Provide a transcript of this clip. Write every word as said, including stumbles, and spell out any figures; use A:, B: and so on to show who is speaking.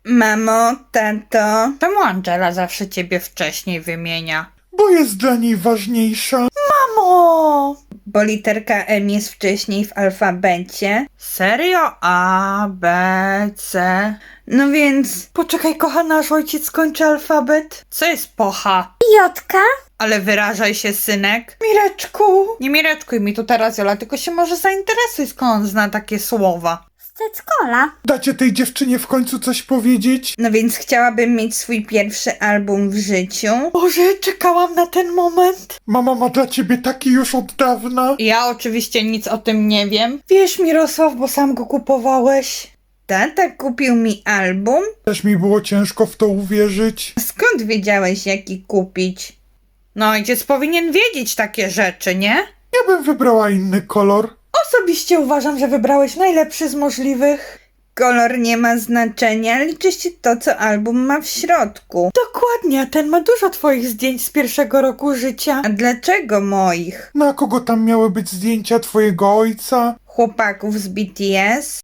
A: Mamo, tato.
B: Czemu Angela zawsze ciebie wcześniej wymienia?
C: Bo jest dla niej ważniejsza.
B: Mamo!
A: Bo literka M jest wcześniej w alfabecie.
B: Serio? A, B, C...
A: No więc...
B: Poczekaj, kochana, aż ojciec skończy alfabet. Co jest pocha?
D: Jotka?
B: Ale wyrażaj się, synek.
A: Mireczku.
B: Nie mireczkuj mi tu teraz, Jola, tylko się może zainteresuj, skąd on zna takie słowa.
D: Z Ceckola.
C: Dacie tej dziewczynie w końcu coś powiedzieć?
A: No więc chciałabym mieć swój pierwszy album w życiu.
B: Boże, czekałam na ten moment.
C: Mama ma dla ciebie taki już od dawna.
B: Ja oczywiście nic o tym nie wiem. Wiesz, Mirosław, bo sam go kupowałeś.
A: Tata kupił mi album?
C: Też mi było ciężko w to uwierzyć.
A: Skąd wiedziałeś, jaki kupić?
B: No, ojciec powinien wiedzieć takie rzeczy, nie?
C: Ja bym wybrała inny kolor.
B: Osobiście uważam, że wybrałeś najlepszy z możliwych.
A: Kolor nie ma znaczenia, liczy się to, co album ma w środku.
B: Dokładnie, a ten ma dużo twoich zdjęć z pierwszego roku życia.
A: A dlaczego moich?
C: Na kogo tam miały być zdjęcia twojego ojca?
A: Chłopaków z B T S?